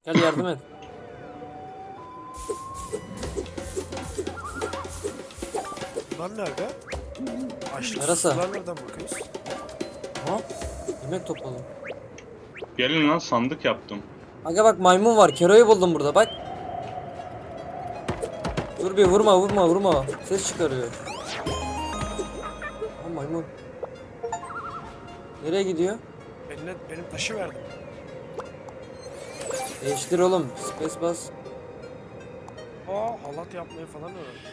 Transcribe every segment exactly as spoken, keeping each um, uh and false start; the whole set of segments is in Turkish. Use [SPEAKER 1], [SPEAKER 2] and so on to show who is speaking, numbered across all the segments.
[SPEAKER 1] Gel yardım et.
[SPEAKER 2] Bunlar nerede? Açlık
[SPEAKER 1] Yarasa.
[SPEAKER 2] susuzluğa nereden bakıyoruz?
[SPEAKER 1] Ha? Yemek topladım.
[SPEAKER 3] Gelin lan, sandık yaptım.
[SPEAKER 1] Aga bak maymun var. Kero'yu buldum burada bak. Dur bir vurma vurma vurma. Ses çıkarıyor. Ha maymun. Nereye gidiyor?
[SPEAKER 2] Eline, benim taşı verdim.
[SPEAKER 1] Değiştir oğlum. Space bas.
[SPEAKER 2] Aa, halat yapmayı falan öğrendim.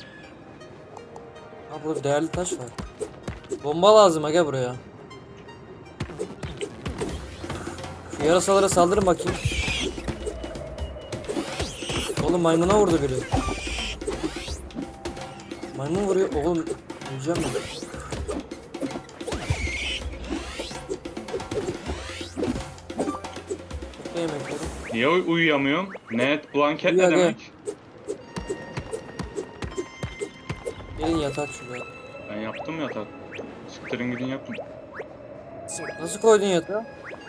[SPEAKER 1] Ha burada değerli taş var. Bomba lazım aga buraya. Şu yarasalara saldırın bakayım. Oğlum maymuna vurdu biri. Maymun vuruyor. Oğlum öleceğim mi? Topla yemekleri.
[SPEAKER 3] Niye uy- uyuyamıyorum? Net blanket ne
[SPEAKER 1] Uyu aga.
[SPEAKER 3] demek?
[SPEAKER 1] Gelin yatak şuraya.
[SPEAKER 3] Ben yaptım yatak. Siktirin gidin yapın.
[SPEAKER 2] Sık.
[SPEAKER 1] Nasıl koydun yatağı?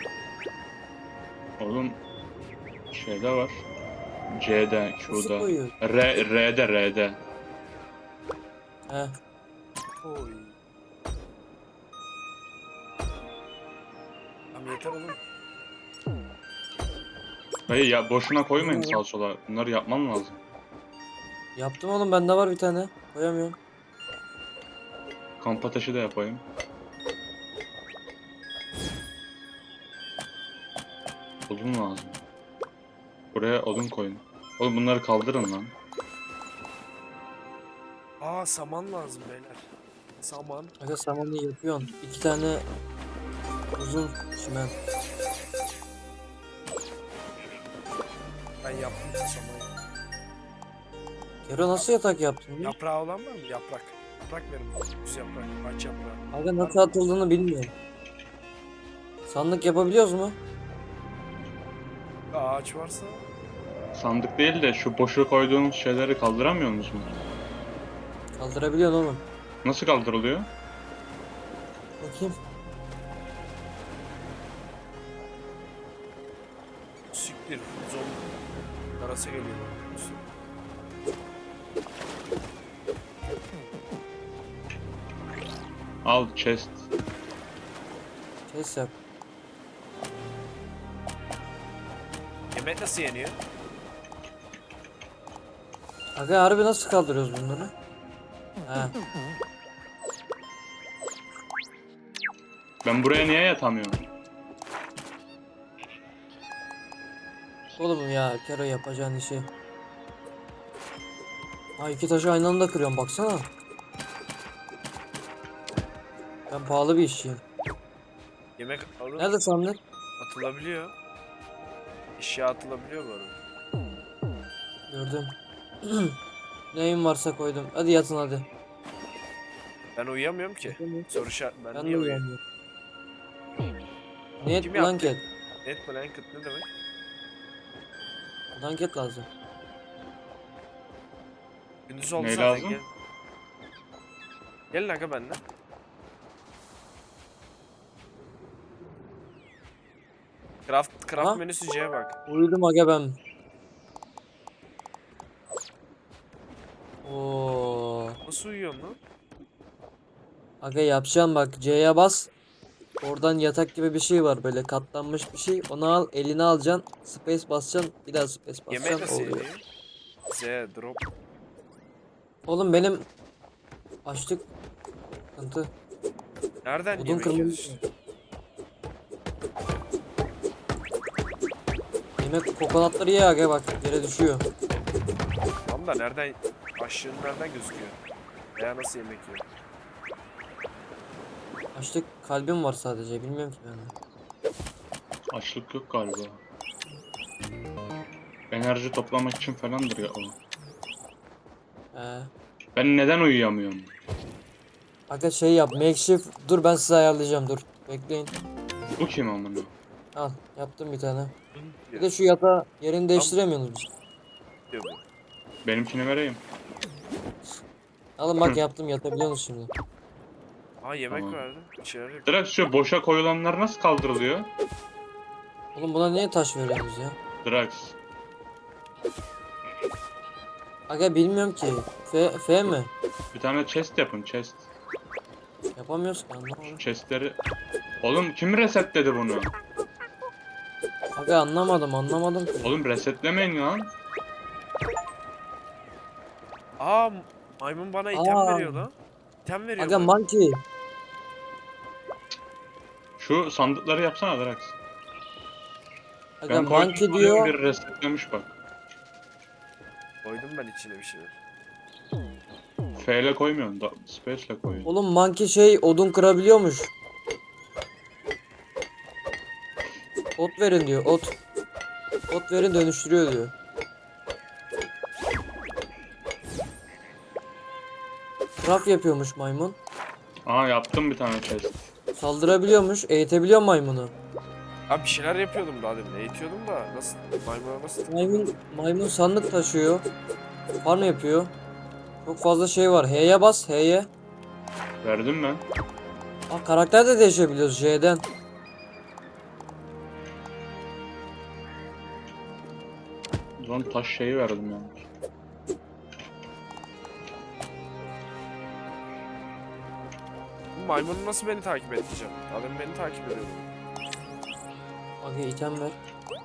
[SPEAKER 3] Oğlum şeyde var. C'de,
[SPEAKER 1] Nasıl
[SPEAKER 3] Q'da.
[SPEAKER 1] koyuyor?
[SPEAKER 3] R, R'de, R'de.
[SPEAKER 1] He.
[SPEAKER 2] Oy. Tamam yeter oğlum.
[SPEAKER 3] Hayır ya, boşuna koymayın sağa sola. Bunları yapmam lazım.
[SPEAKER 1] Yaptım oğlum bende var bir tane. Koyamıyorum.
[SPEAKER 3] Kamp ateşi de yapayım. Odun lazım. Buraya odun koyun. Oğlum bunları kaldırın lan.
[SPEAKER 2] Aa, saman lazım beyler. Saman.
[SPEAKER 1] Aga samanı yapıyorsun. İki tane uzun çimen.
[SPEAKER 2] Ben yaptım samanı.
[SPEAKER 1] Kero nasıl yatak yaptın? Ya?
[SPEAKER 2] Yaprağı olan var mı? Yaprak. Yaprak verin bana. Düz yaprak. Aç yaprağı.
[SPEAKER 1] Aga nasıl atıldığını bilmiyorum. Sandık yapabiliyoruz mu?
[SPEAKER 2] Ağaç varsa
[SPEAKER 3] Sandık değil de şu boşa koyduğunuz şeyleri kaldıramıyor musunuz?
[SPEAKER 1] Kaldırabiliyorsun oğlum.
[SPEAKER 3] Nasıl kaldırılıyor?
[SPEAKER 1] Bakayım.
[SPEAKER 2] siktir. Zombi. Karası geliyor bana.
[SPEAKER 3] Al chest.
[SPEAKER 1] Kes yap.
[SPEAKER 2] Yemek nasıl yeniyor?
[SPEAKER 1] Aga harbi nasıl kaldırıyoruz bunları? He.
[SPEAKER 3] Ben buraya niye yatamıyorum?
[SPEAKER 1] Oğlum ya Kero yapacağın işi. Ha iki taşı aynı anda kırıyorum baksana. Ben pahalı bir işçiyim.
[SPEAKER 2] Yemek alın.
[SPEAKER 1] Nerede sandık?
[SPEAKER 2] Atılabiliyor. Eşya atılabiliyor bu arada.
[SPEAKER 1] Gördüm. Neyim varsa koydum. Hadi yatın hadi.
[SPEAKER 2] Ben uyuyamıyorum ki. Soru şart. Ben,
[SPEAKER 1] Ben de
[SPEAKER 2] niye uyuyamıyorum?
[SPEAKER 1] uyanmıyorum. Net
[SPEAKER 2] Kim yaptı?
[SPEAKER 1] blanket.
[SPEAKER 2] Net blanket ne demek?
[SPEAKER 1] Blanket lazım.
[SPEAKER 2] Gündüz oldu
[SPEAKER 3] Ne
[SPEAKER 2] zaten,
[SPEAKER 3] lazım?
[SPEAKER 2] gel. Gelin aga benden. Craft, craft
[SPEAKER 1] Aha.
[SPEAKER 2] menüsü C'ye bak.
[SPEAKER 1] Uyudum aga ben. Oo.
[SPEAKER 2] Nasıl uyuyorsun lan?
[SPEAKER 1] Aga yapacağım bak C'ye bas. Oradan yatak gibi bir şey var böyle katlanmış bir şey. Onu al eline alacaksın. Space basacaksın. Bir daha space
[SPEAKER 2] Yemek
[SPEAKER 1] basacaksın.
[SPEAKER 2] nasıl
[SPEAKER 1] Oluyor.
[SPEAKER 2] yeniyor? Z, drop.
[SPEAKER 1] Oğlum benim açlık sıkıntı.
[SPEAKER 2] Nereden
[SPEAKER 1] Odun
[SPEAKER 2] yemek
[SPEAKER 1] kırmızı.
[SPEAKER 2] yiyorsun?
[SPEAKER 1] Yemek kokonatları ye aga bak yere düşüyor.
[SPEAKER 2] Tamam da nereden, aşığın nereden gözüküyor? Veya nasıl yemek yiyor?
[SPEAKER 1] Açlık kalbim var sadece bilmiyorum ki ben de.
[SPEAKER 3] Açlık yok galiba. Enerji toplamak için falandır ya o.
[SPEAKER 1] Ee,
[SPEAKER 3] Ben neden uyuyamıyorum?
[SPEAKER 1] aga şey yap makeshift dur ben size ayarlayacağım dur. Bekleyin.
[SPEAKER 3] Bu kim amına?
[SPEAKER 1] Al yaptım bir tane. Bir
[SPEAKER 2] Diyor,
[SPEAKER 1] de şu yatağı yerini değiştiremiyorsunuz biz.
[SPEAKER 2] diyor bu.
[SPEAKER 3] Benimkini vereyim.
[SPEAKER 1] Alın bak yaptım yatabiliyorsunuz şimdi.
[SPEAKER 2] Aa, yemek
[SPEAKER 3] Tamam.
[SPEAKER 2] verdi. Bir şeyler yapıyor.
[SPEAKER 3] Direkt şu boşa koyulanlar nasıl kaldırılıyor?
[SPEAKER 1] Oğlum buna niye taş veriyorsunuz ya?
[SPEAKER 3] Drax.
[SPEAKER 1] Aga bilmiyorum ki. F, F mi?
[SPEAKER 3] Bir tane chest yapın chest.
[SPEAKER 1] Yapamıyoruz ki
[SPEAKER 3] Şu
[SPEAKER 1] anlamadım.
[SPEAKER 3] chestleri... Oğlum kim resetledi bunu?
[SPEAKER 1] Aga anlamadım anlamadım ki.
[SPEAKER 3] Oğlum resetlemeyin lan.
[SPEAKER 2] Aa maymun bana item
[SPEAKER 1] Aa.
[SPEAKER 2] veriyor lan. İtem veriyor
[SPEAKER 1] Aga
[SPEAKER 2] maymun.
[SPEAKER 1] monkey.
[SPEAKER 3] Şu sandıkları yapsana Drax.
[SPEAKER 1] Aga
[SPEAKER 3] Ben
[SPEAKER 1] monkey
[SPEAKER 3] koydum,
[SPEAKER 1] diyor.
[SPEAKER 3] bir resetlemiş bak.
[SPEAKER 2] Koydum ben içine bir şeyler.
[SPEAKER 3] F ile koymuyorsun da space ile koyuyorsun.
[SPEAKER 1] Oğlum monkey şey odun kırabiliyormuş. Ot verin diyor ot. Ot verin dönüştürüyor diyor. Craft yapıyormuş maymun.
[SPEAKER 3] Aha yaptım bir tane chest.
[SPEAKER 1] Saldırabiliyormuş. Eğitebiliyor maymunu.
[SPEAKER 2] Abi bir şeyler yapıyordum daha demin. Eğitiyordum da nasıl maymuna nasıl
[SPEAKER 1] Maymun maymun sandık taşıyor. Farm yapıyor. Çok fazla şey var. H'ye bas H'ye.
[SPEAKER 3] Verdim ben.
[SPEAKER 1] Aa, karakter de değişebiliyoruz J'den.
[SPEAKER 3] O zaman taş şeyi verdim yani.
[SPEAKER 2] Bu maymunu nasıl beni takip edeceğim? Daha demin beni takip ediyordu.
[SPEAKER 1] Aga item ver.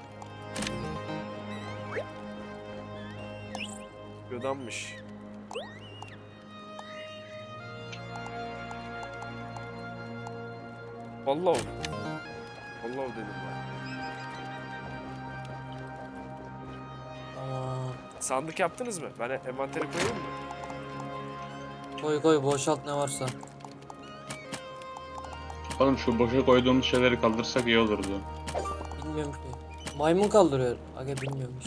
[SPEAKER 2] Yodanmış. Vallahi oldu. Vallahi oldu dedim ben.
[SPEAKER 1] Tamam.
[SPEAKER 2] Sandık yaptınız mı? Ben envanteri koyayım mı?
[SPEAKER 1] Koy koy boşalt ne varsa.
[SPEAKER 3] Oğlum şu boşa koyduğumuz şeyleri kaldırsak iyi olurdu.
[SPEAKER 1] Bilmiyorum ki. Maymun kaldırıyor. Aga bilmiyormuş.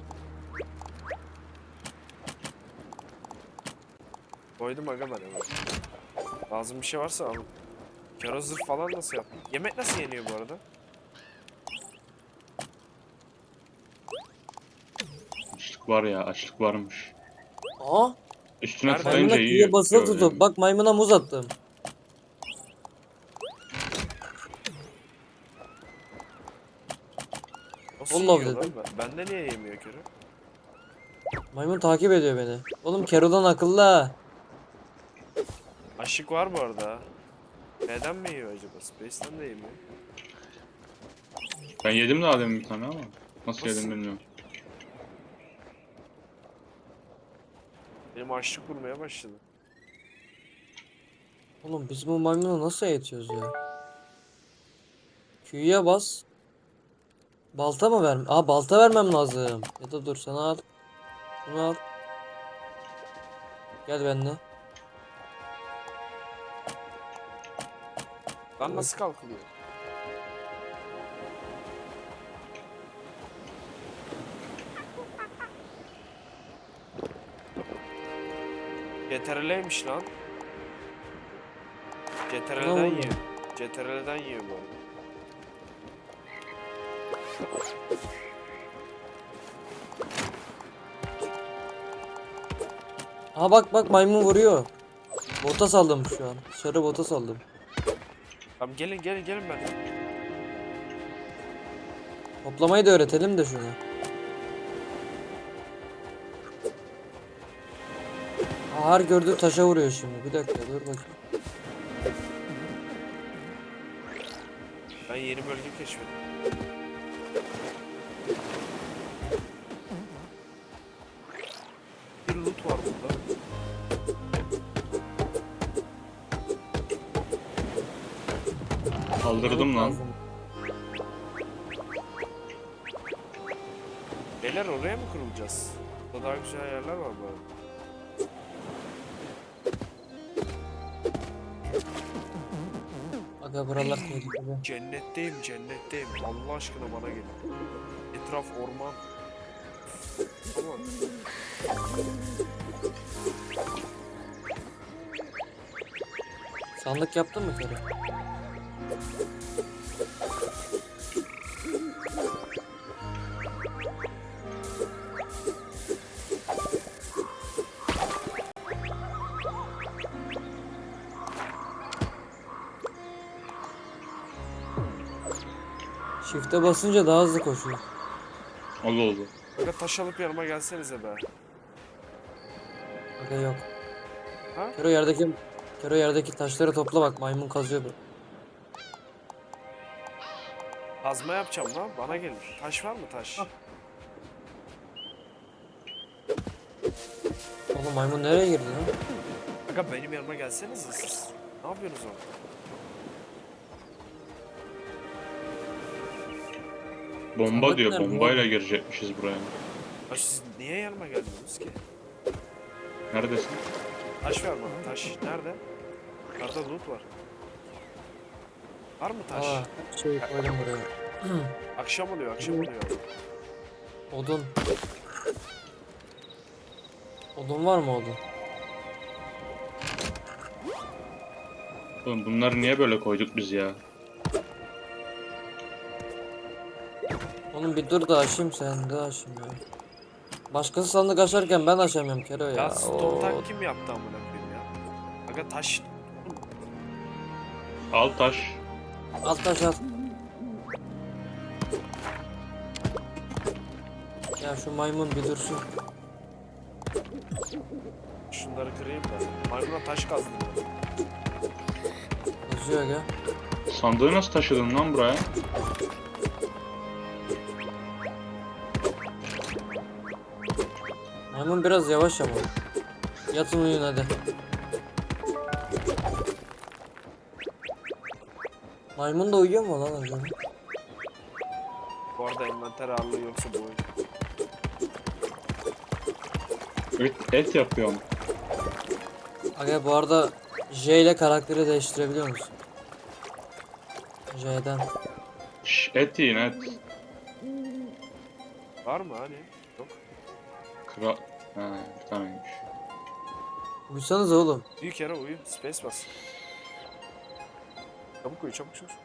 [SPEAKER 2] Koydum aga ben evet. Lazım bir şey varsa alın. Kara zırh falan nasıl yaptın? Yemek nasıl yeniyor bu arada?
[SPEAKER 3] Açlık var ya açlık varmış.
[SPEAKER 1] Aa,
[SPEAKER 3] Üstüne
[SPEAKER 2] Nerede?
[SPEAKER 3] tıklayınca
[SPEAKER 1] maymuna
[SPEAKER 3] iyi
[SPEAKER 1] Q'ye basılı
[SPEAKER 3] yapıyor
[SPEAKER 1] tutup.
[SPEAKER 3] yani.
[SPEAKER 1] Bak maymuna muz attım.
[SPEAKER 2] Nasıl
[SPEAKER 1] Vallahi
[SPEAKER 2] yiyor lan?
[SPEAKER 1] dedim.
[SPEAKER 2] Ben- Bende niye yemiyor körü?
[SPEAKER 1] Maymun takip ediyor beni. Oğlum Kero'dan akıllı ha.
[SPEAKER 2] Aşık var bu arada. ha. Neden mi yiyor acaba? Space'den de yemiyor.
[SPEAKER 3] Ben yedim daha demin bir tane ama. Nasıl,
[SPEAKER 2] Nasıl?
[SPEAKER 3] yedim bilmiyorum.
[SPEAKER 2] Benim açlık vurmaya başladı.
[SPEAKER 1] Oğlum biz bu maymunu nasıl eğitiyoruz ya? Q'ya bas. Balta mı vermem? Aa balta vermem lazım. Ya da dur sana al. Bunu al. Gel benimle.
[SPEAKER 2] Lan nasıl kalkılıyor? C T R L'ymiş lan. C T R L'den
[SPEAKER 1] Ne oldu?
[SPEAKER 2] yiyor. C T R L'den yiyor bu arada.
[SPEAKER 1] Aa bak bak maymun vuruyor. Bota saldım şu an. Dışarı bota saldım.
[SPEAKER 2] Tamam gelin gelin gelin ben.
[SPEAKER 1] Toplamayı da öğretelim de şunu. Aa, her gördüğü taşa vuruyor şimdi. Bir dakika dur bakayım.
[SPEAKER 2] Ben yeni bölge keşfettim. Bir loot var burada.
[SPEAKER 3] Kaldırdım lan.
[SPEAKER 1] Lazım.
[SPEAKER 2] Beyler oraya mı kurulacağız? Burada daha güzel yerler var bu arada.
[SPEAKER 1] Aga buralar tehlikeli.
[SPEAKER 2] Cennetteyim cennetteyim. Allah aşkına bana gelin. Etraf orman. Aman.
[SPEAKER 1] Sandık yaptın mı Kero? Shift'e basınca daha hızlı koşuyor.
[SPEAKER 3] Oldu oldu.
[SPEAKER 2] Aga taş alıp yanıma gelsenize be.
[SPEAKER 1] Aga yok.
[SPEAKER 2] Ha?
[SPEAKER 1] Kero yerdeki Kero yerdeki taşları topla bak, maymun kazıyor bu.
[SPEAKER 2] Kazma yapacağım lan. Bana gelin. Taş var mı taş?
[SPEAKER 1] Oğlum maymun nereye girdi lan?
[SPEAKER 2] Aga benim yanıma gelsenize siz. Ne yapıyorsunuz orada?
[SPEAKER 3] Bomba
[SPEAKER 1] Sandık
[SPEAKER 3] diyor.
[SPEAKER 1] nerede
[SPEAKER 3] Bombayla
[SPEAKER 1] oğlum?
[SPEAKER 3] girecekmişiz buraya.
[SPEAKER 2] Ya siz niye yanıma geldiniz ki?
[SPEAKER 3] Neredesin?
[SPEAKER 2] Taş ver bana taş. Nerede? Yukarıda loot var. Var mı taş?
[SPEAKER 1] Aa, şey koydum buraya.
[SPEAKER 2] Akşam oluyor akşam oluyor.
[SPEAKER 1] Odun. Odun var mı odun?
[SPEAKER 3] Oğlum bunları niye böyle koyduk biz ya?
[SPEAKER 1] Oğlum bir dur da açayım, sen de açayım ya. Başkası sandık açarken ben açamıyorum Kero ya.
[SPEAKER 2] Ya stone
[SPEAKER 1] Oo.
[SPEAKER 2] tank kim yaptı amına koyayım ya? Aga taş.
[SPEAKER 3] Al taş.
[SPEAKER 1] Al taş al. Ya şu maymun bir dursun.
[SPEAKER 2] Şunları kırayım da. Maymuna taş kazdım.
[SPEAKER 1] Yazıyor ya.
[SPEAKER 3] Sandığı nasıl taşıdın lan buraya?
[SPEAKER 1] Maymun biraz yavaş ama. Yatın uyuyun hadi. Maymun da uyuyor mu lan acaba?
[SPEAKER 2] Bu arada envanter ağırlığı yoksa bu oyun.
[SPEAKER 3] Et, et yapıyorum.
[SPEAKER 1] Aga bu arada J ile karakteri değiştirebiliyor musun? J'den.
[SPEAKER 3] Şş, et yiyin et.
[SPEAKER 2] Var mı hani? Yok.
[SPEAKER 3] Kra... Ha, bir taneymiş.
[SPEAKER 1] Uyusanız oğlum.
[SPEAKER 2] Büyük yere uyu. Space bas. Çabuk uyu çabuk çabuk.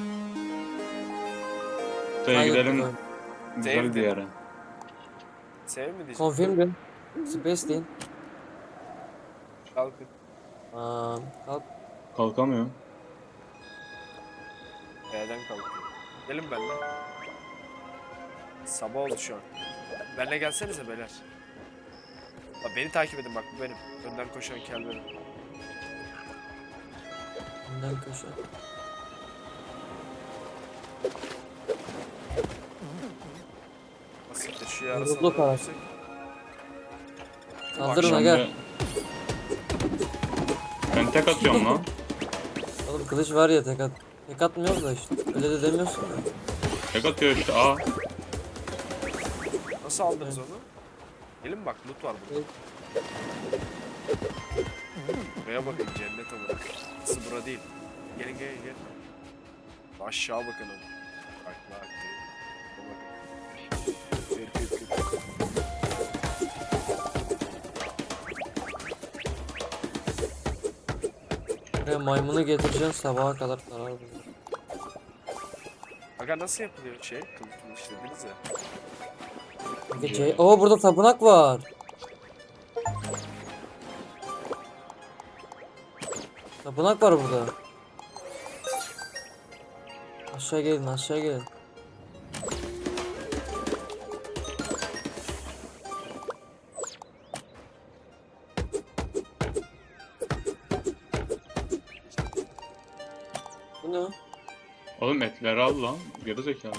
[SPEAKER 3] Şuraya
[SPEAKER 1] Hayır,
[SPEAKER 3] gidelim.
[SPEAKER 1] oğlum.
[SPEAKER 3] Güzel bir yere.
[SPEAKER 2] Sev mi diyeceğim?
[SPEAKER 1] Confirm din. Space deyin.
[SPEAKER 2] Kalkın.
[SPEAKER 1] Aa, kalk.
[SPEAKER 3] Kalkamıyorum.
[SPEAKER 2] B'den kalkın. Gelin benimle. Sabah oldu şu an. Benimle gelsenize beyler. Bak beni takip edin bak bu benim. Önden koşan kel benim.
[SPEAKER 1] Önden köşe.
[SPEAKER 2] Basit de şu
[SPEAKER 1] Yorulduk
[SPEAKER 2] yarasını
[SPEAKER 1] abi.
[SPEAKER 2] öldürsek.
[SPEAKER 1] Kaldırın
[SPEAKER 3] Akşam
[SPEAKER 1] aga.
[SPEAKER 3] da- Ben tek atıyorum lan.
[SPEAKER 1] Oğlum kılıç var ya, tek at. Tek atmıyoruz da işte. Öyle de demiyorsun ya.
[SPEAKER 3] Tek atıyor işte. Aa.
[SPEAKER 2] Nasıl aldınız onu? Gelin bak loot var burada. Buraya bakın cennet olarak. Nasıl bura değil. Gelin gelin gelin. Aşağı bakın oğlum. Bak bak. Bak. Kır, kır, kır.
[SPEAKER 1] Buraya maymunu getireceksin, sabaha kadar karar bulur.
[SPEAKER 2] Aga nasıl yapılıyor şey? Kılıç işlediniz ya.
[SPEAKER 1] Peki C... Oo burada tapınak var. Tapınak var burada. Aşağı gelin, aşağı gelin. Bu ne?
[SPEAKER 3] Oğlum etleri al lan. Geri zekalı.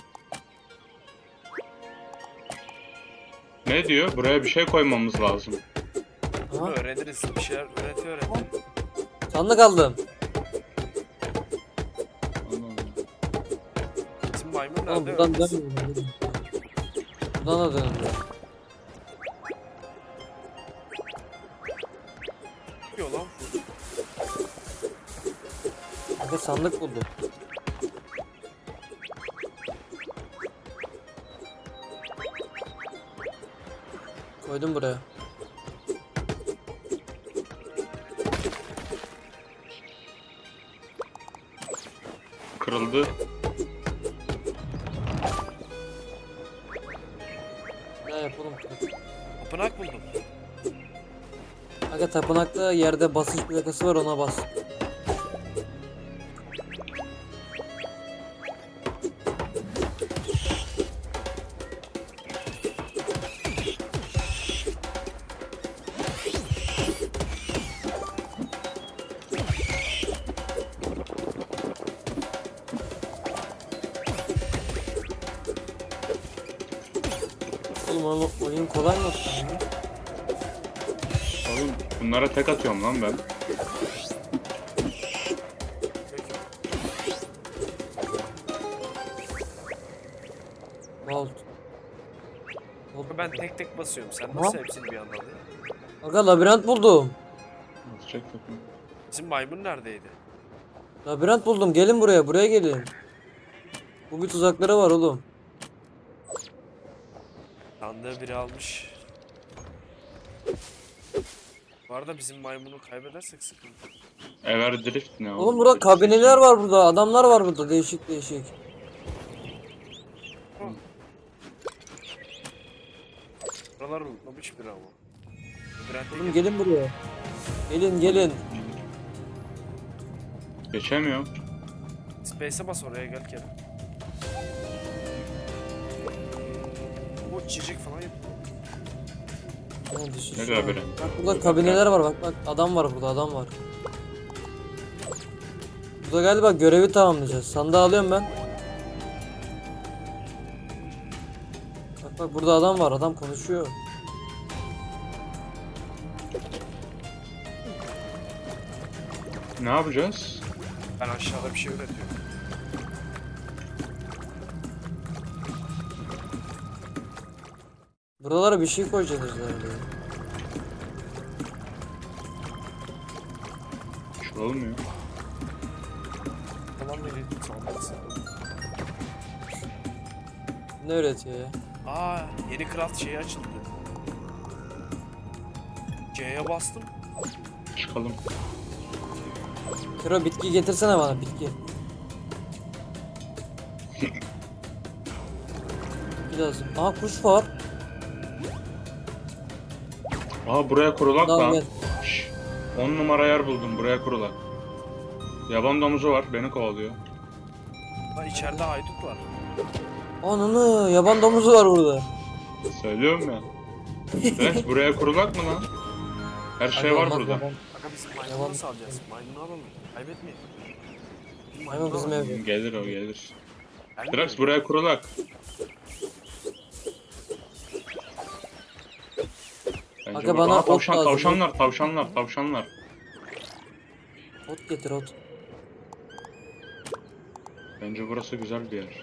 [SPEAKER 3] Ne diyor? Buraya bir şey koymamız lazım.
[SPEAKER 2] Bunu
[SPEAKER 1] Aha,
[SPEAKER 2] öğreniriz. Bir şeyler öğretiyor öğretiyor.
[SPEAKER 1] sandık aldım.
[SPEAKER 3] Allah Allah.
[SPEAKER 2] Bizim maymun
[SPEAKER 1] Oğlum
[SPEAKER 2] nerede?
[SPEAKER 1] buradan
[SPEAKER 2] Öğreniriz.
[SPEAKER 1] dönmüyor. Buradan da dönmüyor.
[SPEAKER 2] Ne yapıyor lan bu?
[SPEAKER 1] Aga sandık buldum. Koydum buraya.
[SPEAKER 3] Kırıldı.
[SPEAKER 1] Ne yapalım?
[SPEAKER 2] Tapınak buldum.
[SPEAKER 1] Aga tapınakta yerde basınç plakası var, ona bas. Oğlum oğlum, oyun kolay mı olsun ya?
[SPEAKER 3] Oğlum bunlara tek atıyorum lan ben.
[SPEAKER 2] Peki.
[SPEAKER 1] Bolt. Bolt.
[SPEAKER 2] Ben tek tek basıyorum. Sen
[SPEAKER 1] Tamam.
[SPEAKER 2] nasıl hepsini bir anda alıyorsun?
[SPEAKER 1] Aga labirent buldum.
[SPEAKER 3] Atacak takım.
[SPEAKER 2] Bizim maymun neredeydi?
[SPEAKER 1] Labirent buldum. Gelin buraya. Buraya gelin. Bu bir tuzakları var oğlum.
[SPEAKER 2] Sandığı biri almış. Bu arada bizim maymunu kaybedersek sıkıntı.
[SPEAKER 3] Ever Drift ne
[SPEAKER 1] Oğlum burada kabineler var burada. Adamlar var burada. Değişik değişik.
[SPEAKER 2] Buralar unutmamış biri ama. Labirente
[SPEAKER 1] Oğlum
[SPEAKER 2] gel.
[SPEAKER 1] gelin buraya. Gelin gelin.
[SPEAKER 3] Geçemiyorum.
[SPEAKER 2] Space'e bas oraya gel Kerem. Bu çiçek falan yapıyor.
[SPEAKER 1] Ne düşüş
[SPEAKER 3] Ne
[SPEAKER 1] ya?
[SPEAKER 3] labirent?
[SPEAKER 1] Bak burada kabineler var bak bak. Adam var burada adam var. Burada galiba görevi tamamlayacağız. Sandığı alıyorum ben. Bak bak burada adam var. Adam konuşuyor.
[SPEAKER 3] Ne yapacağız?
[SPEAKER 2] Ben aşağıda bir şey üretiyorum.
[SPEAKER 1] Buralara bir şey koyacağız herhalde.
[SPEAKER 3] Şu olmuyor.
[SPEAKER 2] Tamam biri sandıksın.
[SPEAKER 1] Ne öğretiyor ya?
[SPEAKER 2] Aa, yeni craft şeyi açıldı. C'ye bastım.
[SPEAKER 3] Çıkalım.
[SPEAKER 1] Kero bitki getirsene bana bitki. Bitki lazım. Aha kuş var.
[SPEAKER 3] Aa buraya kurulak
[SPEAKER 1] Tamam,
[SPEAKER 3] lan.
[SPEAKER 1] gel.
[SPEAKER 3] Şşş. on numara yer buldum, buraya kurulak. Yaban domuzu var, beni kovalıyor.
[SPEAKER 2] Lan içeride haydut var.
[SPEAKER 1] Ananı yaban domuzu var burada.
[SPEAKER 3] Söylüyorum ya. Rex buraya kurulak mı lan? Her şey
[SPEAKER 1] Aga,
[SPEAKER 3] var
[SPEAKER 1] olmaz,
[SPEAKER 3] burada.
[SPEAKER 1] yaban-
[SPEAKER 2] Aga bizim maymunu
[SPEAKER 1] Yalan-
[SPEAKER 2] nasıl alacağız? Maymunu alalım. Kaybetmeyelim. Bizim
[SPEAKER 1] Maymun
[SPEAKER 2] maymunu
[SPEAKER 1] bizim
[SPEAKER 2] alalım.
[SPEAKER 1] evde.
[SPEAKER 3] Gelir o gelir.
[SPEAKER 2] Gelmiyor.
[SPEAKER 3] Rex buraya kurulak. Bence
[SPEAKER 1] Aga,
[SPEAKER 3] bu-
[SPEAKER 1] bana
[SPEAKER 3] Aa,
[SPEAKER 1] ot
[SPEAKER 3] tavşan,
[SPEAKER 1] lazım,
[SPEAKER 3] tavşanlar, tavşanlar, tavşanlar.
[SPEAKER 1] Ot getir ot.
[SPEAKER 3] Bence burası güzel bir yer.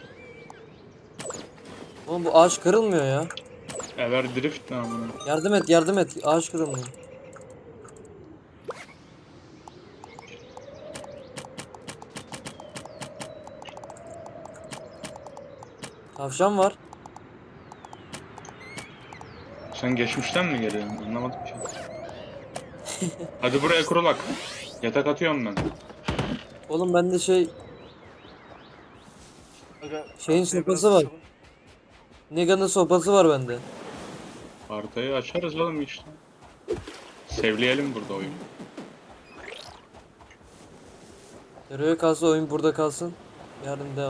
[SPEAKER 1] Oğlum bu ağaç kırılmıyor ya.
[SPEAKER 3] Ever Drift ne amına?
[SPEAKER 1] Yardım et yardım et. Ağaç kırılmıyor. Tavşan var.
[SPEAKER 3] Sen geçmişten mi geliyorsun? Anlamadım ki. Hadi buraya kurulak. Yatak atıyorum ben.
[SPEAKER 1] Oğlum bende şey
[SPEAKER 2] Aga,
[SPEAKER 1] Şeyin
[SPEAKER 2] haftaya biraz
[SPEAKER 1] sopası var.
[SPEAKER 2] açalım.
[SPEAKER 1] Nega'nın sopası var bende.
[SPEAKER 3] Haritayı açarız oğlum işte. Sevleyelim burada oyunu.
[SPEAKER 1] Nereye kalsa oyun burada kalsın. Yarın devam.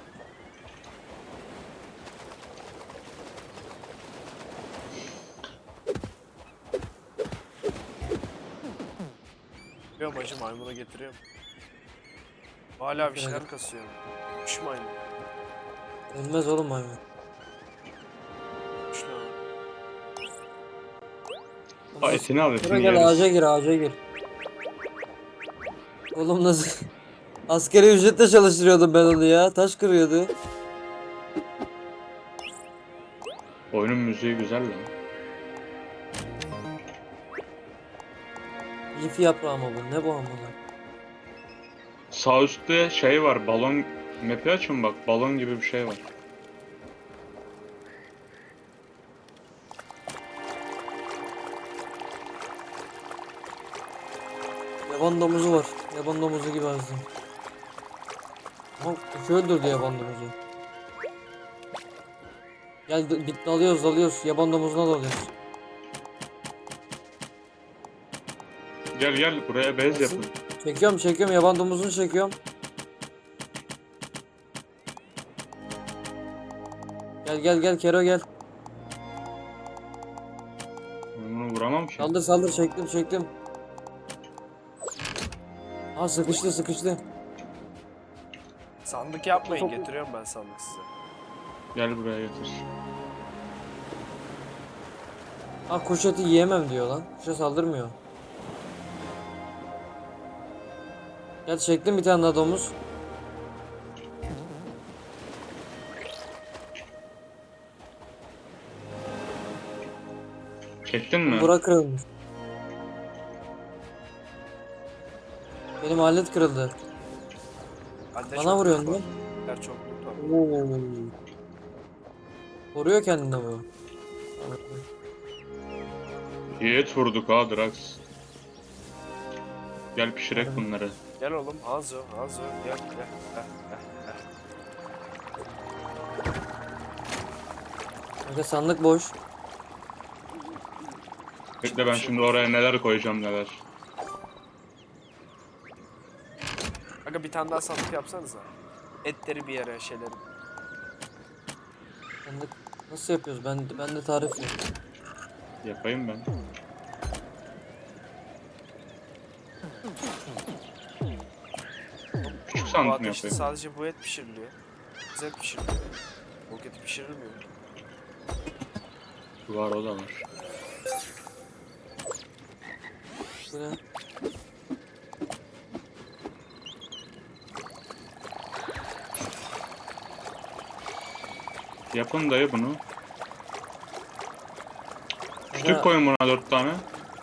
[SPEAKER 2] Getiriyorum hacı maymunu getiriyorum. Hala bir şeyler kasıyor. Kuş maymun.
[SPEAKER 1] Ölmez oğlum maymun.
[SPEAKER 2] Kuş lan.
[SPEAKER 3] Aa, etini al,
[SPEAKER 1] Şuraya
[SPEAKER 3] etini
[SPEAKER 1] gel ağaca
[SPEAKER 3] yeriz.
[SPEAKER 1] gir ağaca gir. Oğlum nasıl? Askeri ücretle çalıştırıyordum ben onu ya. Taş kırıyordu.
[SPEAKER 3] Oyunun müziği güzel lan.
[SPEAKER 1] Lif yaprağı mı bu? Ne bu amına?
[SPEAKER 3] Sağ üstte şey var, balon map'i açın bak, balon gibi bir şey var.
[SPEAKER 1] Yaban domuzu var. Yaban domuzu gibi azdım. Ama kuş öldürdü yaban domuzu. Gel d- git dalıyoruz dalıyoruz. Yaban domuzuna dalıyoruz.
[SPEAKER 3] Gel gel buraya bez
[SPEAKER 1] Nasıl?
[SPEAKER 3] yapın.
[SPEAKER 1] Çekiyorum çekiyorum yaban domuzunu çekiyorum. Gel gel gel Kero gel.
[SPEAKER 3] Ben bunu vuramam ki.
[SPEAKER 1] Saldır saldır çektim çektim. Ha sıkıştı sıkıştı.
[SPEAKER 2] Sandık yapmayın,
[SPEAKER 1] Çok-
[SPEAKER 2] getiriyorum ben sandık size.
[SPEAKER 3] Gel buraya getir.
[SPEAKER 1] Ha, kuş eti yiyemem diyor lan. Kuşa saldırmıyor. Gel çektim bir tane daha domuz.
[SPEAKER 3] Çektin mi?
[SPEAKER 1] Bura kırılmış. Benim alet kırıldı.
[SPEAKER 2] Bende
[SPEAKER 1] Bana
[SPEAKER 2] çok
[SPEAKER 1] vuruyorsun
[SPEAKER 2] loot
[SPEAKER 1] değil
[SPEAKER 2] var.
[SPEAKER 1] mi?
[SPEAKER 2] Bende çok loot var.
[SPEAKER 1] Oo. Koruyor kendini bu.
[SPEAKER 3] Yiğit vurduk ha Drax. Gel pişirek
[SPEAKER 1] Harbi.
[SPEAKER 3] bunları.
[SPEAKER 2] Gel oğlum Hanzo, Hanzo gel gel gel gel. gel.
[SPEAKER 1] Kanka sandık boş.
[SPEAKER 3] Bekle ben şimdi oraya neler koyacağım neler.
[SPEAKER 2] Aga bir tane daha sandık yapsanıza. Etleri bir yere şeyleri.
[SPEAKER 1] Sandık nasıl yapıyoruz? Ben ben de tarif yok.
[SPEAKER 3] Yapayım ben. Küçük
[SPEAKER 2] Bu
[SPEAKER 3] sandık mı
[SPEAKER 2] ateşte
[SPEAKER 3] yapayım?
[SPEAKER 2] sadece bu et pişiriliyor. Biz et pişiriliyor. Bu et pişirilmiyor.
[SPEAKER 3] Var o da var.
[SPEAKER 1] Bu ne?
[SPEAKER 3] Yapın dayı bunu.
[SPEAKER 1] Aga,
[SPEAKER 3] Küçük koyun buna dört tane.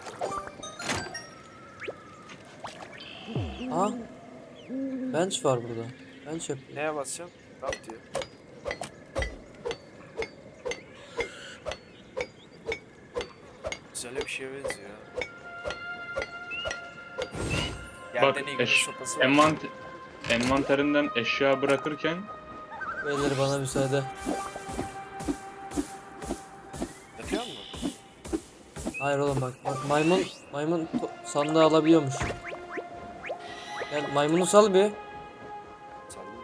[SPEAKER 1] ha? Bench var burada. Bench yapıyor.
[SPEAKER 2] Neye basacağım? Rap diyor. Güzel bir şeye benziyor ya.
[SPEAKER 3] Bak
[SPEAKER 2] Yerden ilgili
[SPEAKER 3] eş,
[SPEAKER 2] sopası var.
[SPEAKER 3] envant envanterinden eşya bırakırken
[SPEAKER 1] Beyler bana müsaade.
[SPEAKER 2] Yapıyor musun?
[SPEAKER 1] Hayır oğlum bak. Bak maymun maymun to- sandığı alabiliyormuş. Gel maymunu sal bir.
[SPEAKER 2] Sallı.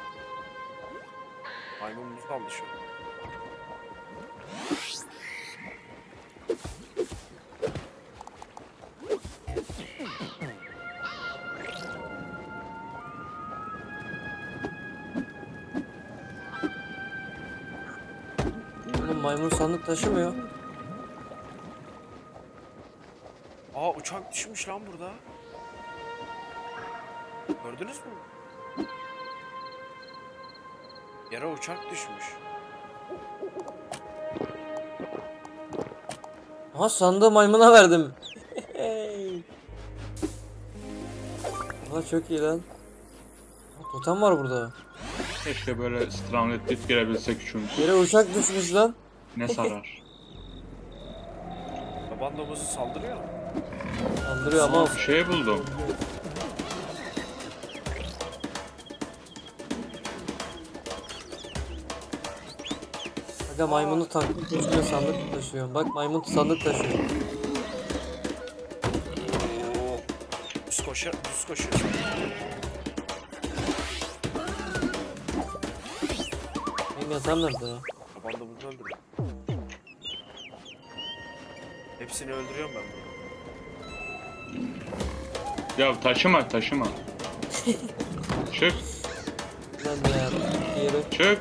[SPEAKER 2] Maymun muz kaldı şu an.
[SPEAKER 1] Oğlum maymun sandık taşımıyor.
[SPEAKER 2] Aa uçak düşmüş lan burada. Gördünüz mü? Yere uçak düşmüş.
[SPEAKER 1] Aha sandığı maymuna verdim. Aa çok iyi lan. Aa, totem var burada.
[SPEAKER 3] keşke böyle Stranded Deep girebilsek üçümüz.
[SPEAKER 1] Yere uçak düşmüş lan.
[SPEAKER 3] Ne sarar.
[SPEAKER 2] Taban domuzu saldırıyor mu?
[SPEAKER 1] Saldırıyor ama.
[SPEAKER 3] Bir şey buldum.
[SPEAKER 1] Aga maymunu taklit üstüne sandık taşıyor. Bak maymun sandık taşıyor.
[SPEAKER 2] Düz koşuyor, düz koşuyor.
[SPEAKER 1] Benim yatağım nerede ya?
[SPEAKER 2] Taban domuzu öldürüyor. Hepsini öldürüyorum ben bunu.
[SPEAKER 3] Ya taşıma taşıma. Çık
[SPEAKER 1] Ben de ya. Yere.
[SPEAKER 3] çık.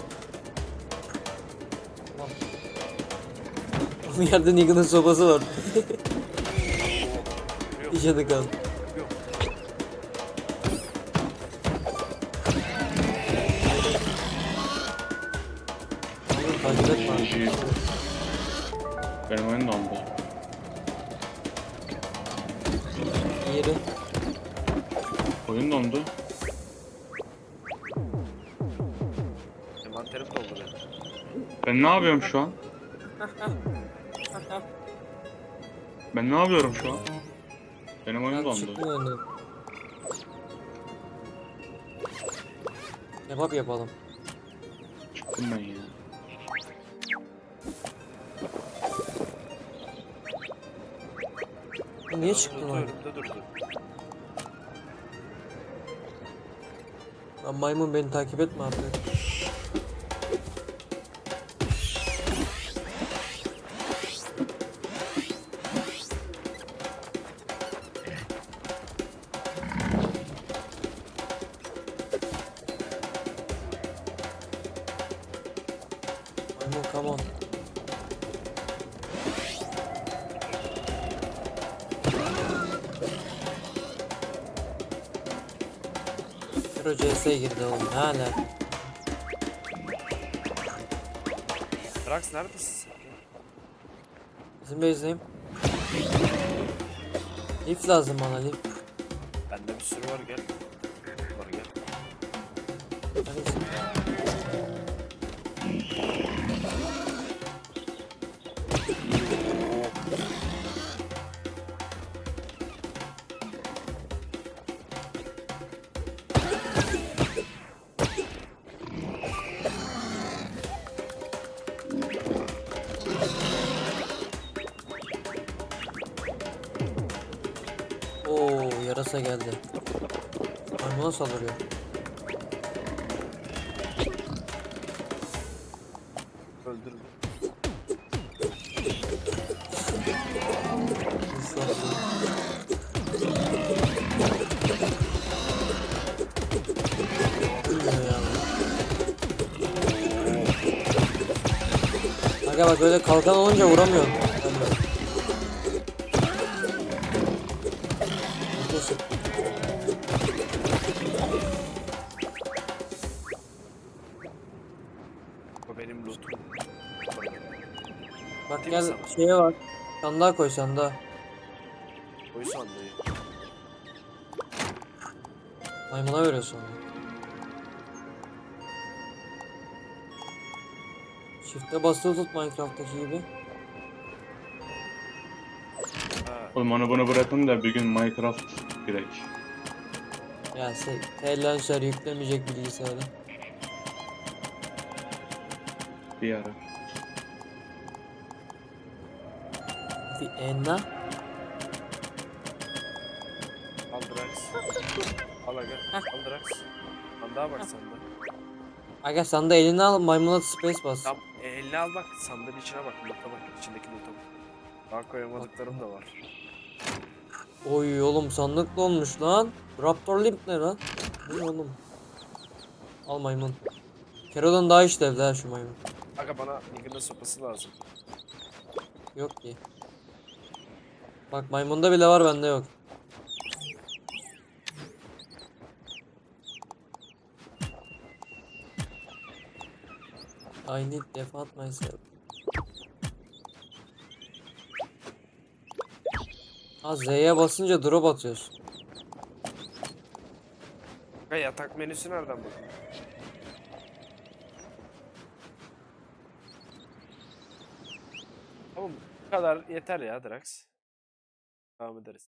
[SPEAKER 1] Bu yerde Negan'ın sobası var.
[SPEAKER 2] Yok,
[SPEAKER 1] İşe kal.
[SPEAKER 2] yok.
[SPEAKER 1] Oğlum takip etme.
[SPEAKER 3] G G. Benim oyun dondu.
[SPEAKER 1] Yeri.
[SPEAKER 3] Oyun dondu.
[SPEAKER 2] Envanterim doldu benim.
[SPEAKER 3] Ben ne yapıyorum şu an? Ben ne yapıyorum şu an? Benim oyun
[SPEAKER 1] Ben
[SPEAKER 3] dondu.
[SPEAKER 1] çıkmıyor önüne. Kebap yapalım.
[SPEAKER 3] Çıktım ben ya.
[SPEAKER 1] Bu niye çıktın lan?
[SPEAKER 2] Önümde durdu.
[SPEAKER 1] Lan maymun beni takip etme artık. Maymun come on. Kero C S'ye girdi oğlum. Ne hala?
[SPEAKER 2] Drax neredesin sen?
[SPEAKER 1] Bizim base'deyim. Lif lazım bana lif.
[SPEAKER 2] Bende bir sürü var gel. Var gel.
[SPEAKER 1] Neredesin? Oo, yarasa geldi. Maymuna saldırıyor.
[SPEAKER 2] Öldürdüm.
[SPEAKER 1] Bilmiyor ya. Aga bak böyle kalkan olunca vuramıyorsun. Vuramıyorum. Neyse.
[SPEAKER 2] Bu benim lootum.
[SPEAKER 1] Bak
[SPEAKER 2] Değil mi
[SPEAKER 1] gel
[SPEAKER 2] sana?
[SPEAKER 1] şeye bak. Sandığa koy sandığa.
[SPEAKER 2] Koy sandığı.
[SPEAKER 1] Maymuna veriyorsun onu. Shift'e basılı tut Minecraft'taki gibi.
[SPEAKER 2] Ha.
[SPEAKER 3] Oğlum onu bunu bırakın da bir gün Minecraft girek.
[SPEAKER 1] Ya sen T-Launcher yüklemeyecek bilgisayara.
[SPEAKER 3] Bir ara.
[SPEAKER 1] Vienna.
[SPEAKER 2] Al Drax. Al aga. Al Drax. Sandığa bak sandığa.
[SPEAKER 1] Aga sandığı eline al maymuna space bas.
[SPEAKER 2] Tam e, eline al bak. Sandığın içine bak. Loot'a bak. İçindeki loot'a bak. Daha koyamadıklarım da var.
[SPEAKER 1] Oy oğlum sandık dolmuş lan. Raptor Limp ne lan? Ne oğlum? Al maymun. Kero'dan daha işlevli ha şu maymun.
[SPEAKER 2] Aga bana Nigger'ın sopası lazım.
[SPEAKER 1] Yok ki. Bak maymunda bile var bende yok. I need defat myself. Ha Z'ye basınca drop atıyorsun.
[SPEAKER 2] Aga yatak menüsü nereden bakın? Tamam bu kadar yeter ya Drax. Devam ederiz.